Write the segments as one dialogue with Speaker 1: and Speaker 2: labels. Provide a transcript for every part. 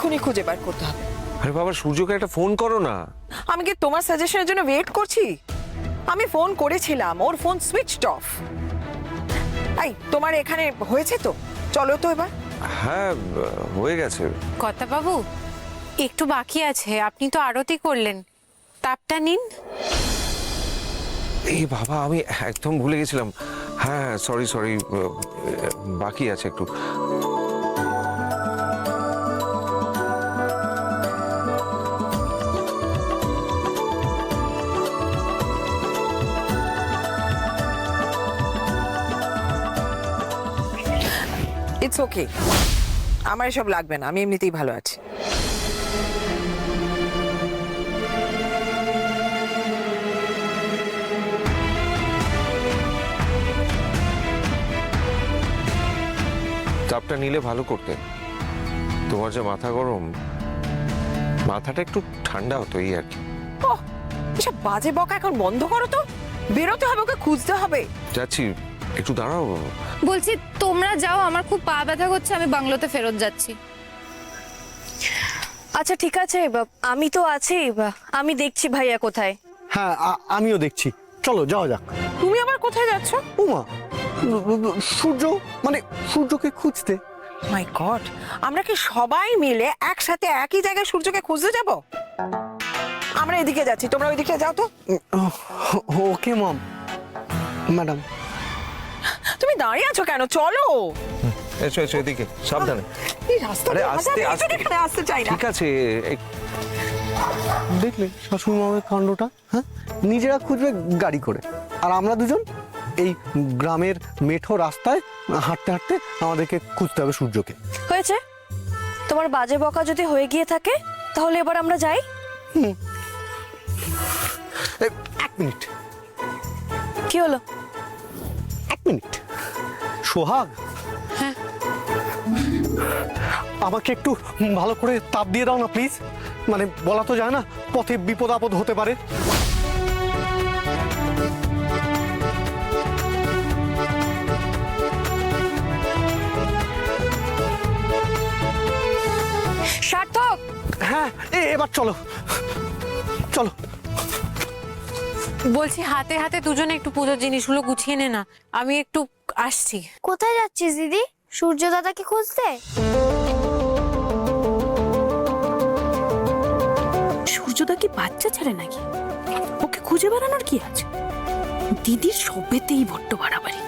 Speaker 1: এক্ষুনি খুঁজে বার করতে হবে।
Speaker 2: আরে বাবা, সূর্যকে একটা ফোন করো না।
Speaker 1: আমি কি তোমার সাজেশনের জন্য ওয়েট করছি? আমি ফোন করেছিলাম, ওর ফোন সুইচড অফ। এই তোমার এখানে হয়েছে তো? চলো তো এবার।
Speaker 2: হ্যাঁ, হয়ে গেছে।
Speaker 3: কথা বাবু, একটু বাকি আছে। আপনি তো আরতি করলেন, তাপটা নিন।
Speaker 2: এই বাবা, আমি একদম ভুলে গেছিলাম। হ্যাঁ, সরি সরি, বাকি আছে একটু।
Speaker 1: ইটস ওকে, আমার এসব লাগবে না, আমি এমনিতেই ভালো আছি।
Speaker 2: চাপটা নিলে ভালো করতে। তোমার যে মাথা গরম, মাথাটা একটু ঠান্ডা হতো, এই আর কি।
Speaker 1: ওহ, এসব বাজে বকা এখন বন্ধ করো তো। বেরোতে হবে, ওকে খুঁজতে হবে।
Speaker 2: যাচ্ছি, একটু দাঁড়াও।
Speaker 4: বলছি তোমরা যাও, আমার খুব পা ব্যথা করছে, আমি বাংলোতে ফেরত যাচ্ছি।
Speaker 5: আচ্ছা ঠিক আছে, আমি তো আছি, আমি দেখছি ভাইয়া কোথায়।
Speaker 6: হ্যাঁ, আমিও দেখছি। চলো যাওয়া যাক।
Speaker 1: তুমি আবার কোথায় যাচ্ছ?
Speaker 6: উমা, সূর্য, মানে সূর্যকে খুঁজতে।
Speaker 1: মাই গড, আমরা কি সবাই মিলে একসাথে একই জায়গায় সূর্যকে খুঁজতে যাব? আমরা এদিকে যাচ্ছি, তোমরা ওইদিকে যাও তো।
Speaker 6: ওকে মম। ম্যাডাম,
Speaker 1: তুমি দাঁড়িয়ে আছো কেন? চলো।
Speaker 2: এসো এসো, এদিকে সাবধানে।
Speaker 1: এই রাস্তা
Speaker 2: আরে আস্তে আস্তে,
Speaker 1: এখানে আসতে চাই না।
Speaker 2: ঠিক আছে।
Speaker 6: দেখলে শাশুড়ি মামের কাণ্ডটা? হ্যাঁ, নিজেরা খুঁজবে গাড়ি করে, আর আমরা দুজন এই গ্রামের মেঠো রাস্তায় হাঁটতে হাঁটতে আমাদেরকে খুঁজতে হবে সূর্যকে।
Speaker 5: হয়েছে, তোমার বাজে বকা যদি হয়ে গিয়ে থাকে তাহলে এবার আমরা যাই।
Speaker 6: এক মিনিট,
Speaker 5: কি হলো?
Speaker 6: এক মিনিট। সোহাগ, আমাকে একটু ভালো করে তাপ দিয়ে দাও না প্লিজ। মানে বলা তো যায় না, পথে বিপদ আপদ হতে পারে।
Speaker 5: সার্থক,
Speaker 6: হ্যাঁ, এবার চলো চলো।
Speaker 3: বলছি হাতে হাতে দুজনে একটু পুজোর জিনিসগুলো গুছিয়ে নে না, আমি একটু আসছি।
Speaker 7: কোথায় যাচ্ছিস দিদি? সূর্য দাদাকে খুঁজতে?
Speaker 8: সূর্যদা কি বাচ্চা ছেলে নাকি? ওকে খুঁজে বেড়ানোর কি আছে? দিদির সবেতেই বড্ড বাড়াবাড়ি।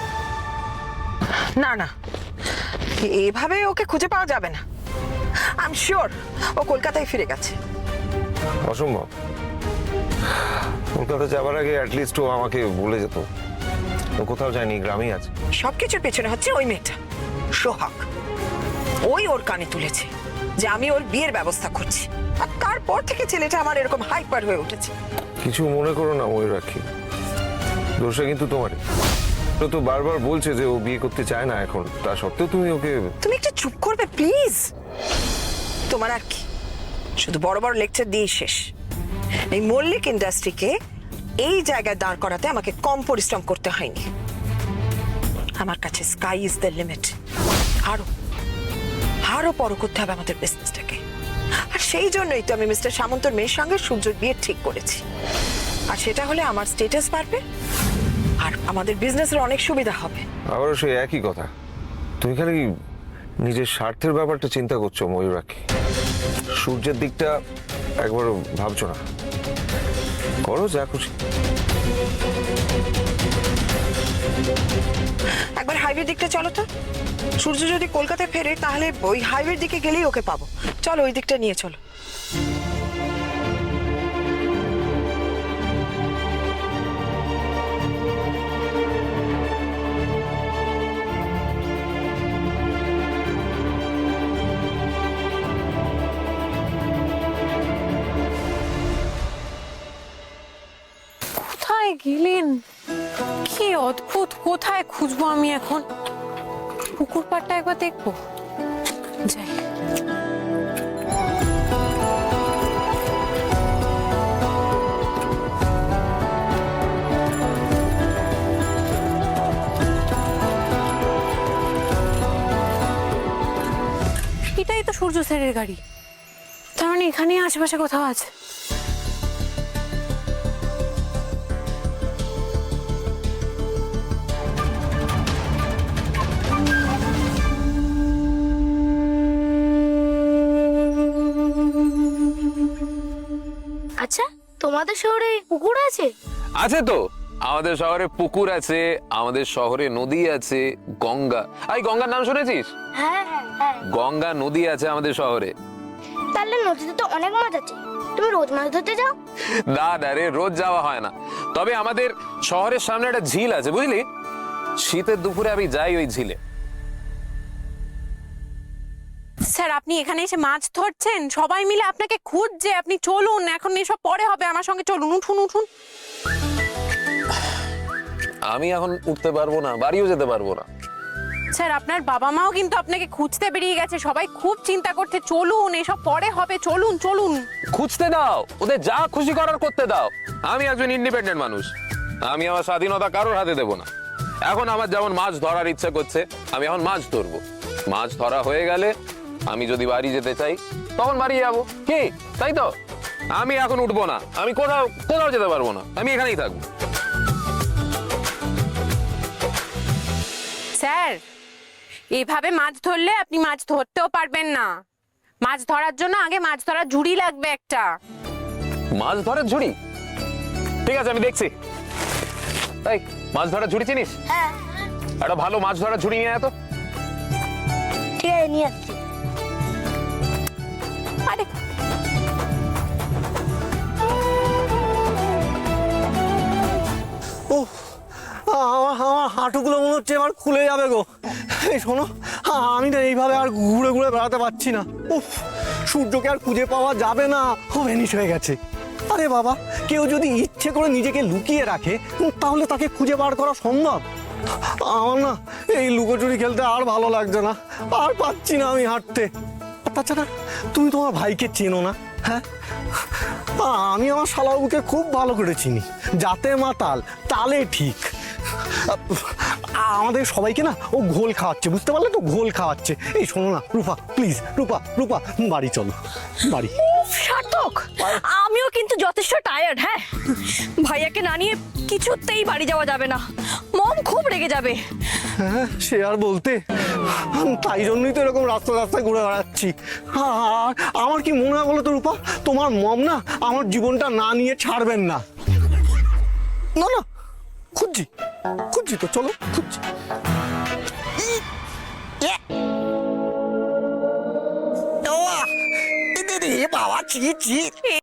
Speaker 1: না না, এভাবে ওকে খুঁজে পাওয়া যাবে না। আই এম শিওর ও কলকাতায় ফিরে গেছে।
Speaker 2: অসম্ভব। কলকাতা যাবার আগে অ্যাটলিস্ট ও আমাকে বলে যেত। ও কোথাও যায়নি, গ্রামেই আছে।
Speaker 1: সবকিছুর পেছনে হচ্ছে ওই মেয়েটা সোহাগ। ওই ওর কানে তুলেছে যে আমি ওর বিয়ের ব্যবস্থা করছি, আর তারপর থেকে ছেলেটা আমার এরকম হাইপার হয়ে উঠেছে।
Speaker 2: কিছু মনে করো না ময়ূরাক্ষী, দোষটা কিন্তু তোমারই। ও তো বারবার বলছে যে ও বিয়ে করতে চায় না এখন, তা সত্ত্বেও তুমি ওকে।
Speaker 1: তুমি একটু চুপ করবে প্লিজ? তোমার আর কি, শুধু বড় বড় লেকচার দিয়ে শেষ। এই মল্লিক ইন্ডাস্ট্রিকে এই জায়গায় দাঁড় করাতে আমাকে কম পরিশ্রম করতে হয়নি। আমার কাছে স্কাই ইজ দ্য লিমিট। আরো আরো বড় করতে হবে আমাদের বিজনেসটাকে, আর সেই জন্যই তো আমি মিস্টার সামন্তর মেয়ের সঙ্গে সূর্যর বিয়ে ঠিক করেছি। আর সেটা হলে আমার স্ট্যাটাস বাড়বে, আর আমাদের বিজনেসের অনেক সুবিধা হবে।
Speaker 2: আবারও সেই একই কথা, তুমি খালি নিজের স্বার্থের ব্যাপারটা চিন্তা করছো ময়ূরাক্ষী। সূর্যের দিকটা একবারও ভাবছো না। করো যা খুশি।
Speaker 1: একবার হাইওয়ের দিকটা চলো তো। সূর্য যদি কলকাতায় ফেরে তাহলে ওই হাইওয়ের দিকে গেলেই ওকে পাবো। চলো ওই দিকটা নিয়ে চলো।
Speaker 3: কোথায় গেলেন? কি অদ্ভুত, কোথায় খুঁজবো আমি এখন? পুকুর পাড়টা একবার দেখবো, যাই। এটাই তো সূর্য সূর্য স্যারের গাড়ি। তার মানে এখানেই আশেপাশে কোথাও আছে।
Speaker 7: আচ্ছা তোমাদের শহরে পুকুর আছে?
Speaker 9: আছে তো, আমাদের শহরে পুকুর আছে, আমাদের শহরে নদী আছে, গঙ্গা। এই গঙ্গার নাম শুনেছিস?
Speaker 7: হ্যাঁ হ্যাঁ হ্যাঁ।
Speaker 9: গঙ্গা নদী আছে আমাদের শহরে।
Speaker 7: তাহলে নদীতে তো অনেক মাছ আছে, তুমি রোজ মাছ ধরতে যাও?
Speaker 9: না রে, রোজ যাওয়া হয় না। তবে আমাদের শহরের সামনে একটা ঝিল আছে, বুঝলি? শীতের দুপুরে আমি যাই ওই ঝিলে।
Speaker 3: স্যার আপনি এখানে এসে মাছ ধরছেন, সবাই মিলে আপনাকে খুঁজছে, আপনি চলুন, এখন এসব পরে হবে, আমার সঙ্গে চলুন, উঠুন উঠুন।
Speaker 9: আমি এখন উঠতে পারবো না, বাড়িও যেতে পারবো না।
Speaker 3: স্যার আপনার বাবা মাও কিন্তু আপনাকে খুঁজতে বেরিয়ে গেছে, সবাই খুব চিন্তা করছে, চলুন, এসব পরে হবে, চলুন চলুন।
Speaker 9: খুঁজতে দাও, ওদের যা খুশি করার করতে দাও। আমি একজন ইন্ডিপেন্ডেন্ট মানুষ, আমি আমার স্বাধীনতা কারোর হাতে দেবো না। এখন আমার যেমন মাছ ধরার ইচ্ছে করছে, আমি এখন মাছ ধরবো। মাছ ধরা হয়ে গেলে আমি যদি বাড়ি যেতে চাই তখন বাড়ি যাবো, কি তাই তো? আমি এখন উঠবো না, আমি কোথাও কোথাও যেতে পারবো না, আমি এখানেই থাকবো।
Speaker 3: স্যার এইভাবে মাছ ধরলে আপনি মাছ ধরতেও পারবেন না। মাছ ধরার জন্য আগে মাছ ধরার ঝুড়ি লাগবে একটা।
Speaker 9: মাছ ধরার ঝুড়ি? ঠিক আছে, আমি দেখছি। তাই মাছ ধরার ঝুড়ি চিনিস?
Speaker 7: হ্যাঁ।
Speaker 9: একটা ভালো মাছ ধরার ঝুড়ি নিয়ে আয় তো।
Speaker 7: ঠিক আছে, নিয়ে আসছি।
Speaker 3: আরে
Speaker 6: ও আমার আমার হাঁটুগুলো মনে হচ্ছে এবার খুলে যাবে গো। এই শোনো, আমি না এইভাবে আর ঘুরে ঘুরে বেড়াতে পারছি না। উফ, সূর্যকে আর খুঁজে পাওয়া যাবে না, ও ভ্যানিশ হয়ে গেছে। আরে বাবা, কেউ যদি ইচ্ছে করে নিজেকে লুকিয়ে রাখে তাহলে তাকে খুঁজে বার করা সম্ভব? আমার না এই লুকোচুরি খেলতে আর ভালো লাগছে না, আর পাচ্ছি না আমি হাঁটতে। আর তাছাড়া তুমি তোমার ভাইকে চেনো না? হ্যাঁ, আমি আমার শালাবাবুকে খুব ভালো করে চিনি, যাতে মাতাল তালে ঠিক। আমাদের সবাইকে না ও ঘোল খাওয়াচ্ছে, বুঝতে পারলে তো? ঘোল খাওয়াচ্ছে। এই শোনো না রূপা, প্লিজ রূপা, রূপা বাড়ি চলো, বাড়ি।
Speaker 5: সার্থক, আমিও কিন্তু যথেষ্ট টায়ার্ড। হ্যাঁ, ভাইয়াকে না নিয়ে কিছুতেই বাড়ি যাওয়া যাবে না, মম খুব রেগে যাবে।
Speaker 6: হ্যাঁ, সে আর বলতে, তাই জন্যই তো এরকম রাস্তা রাস্তায় ঘুরে বেড়াচ্ছি। আর আমার কি মনে হয় বলো তো রূপা, তোমার মম না আমার জীবনটা না নিয়ে ছাড়বেন না। না না, খুঁজছি খুঁজছি তো, চলো খুঁজছি। বাবা, ছি ছি,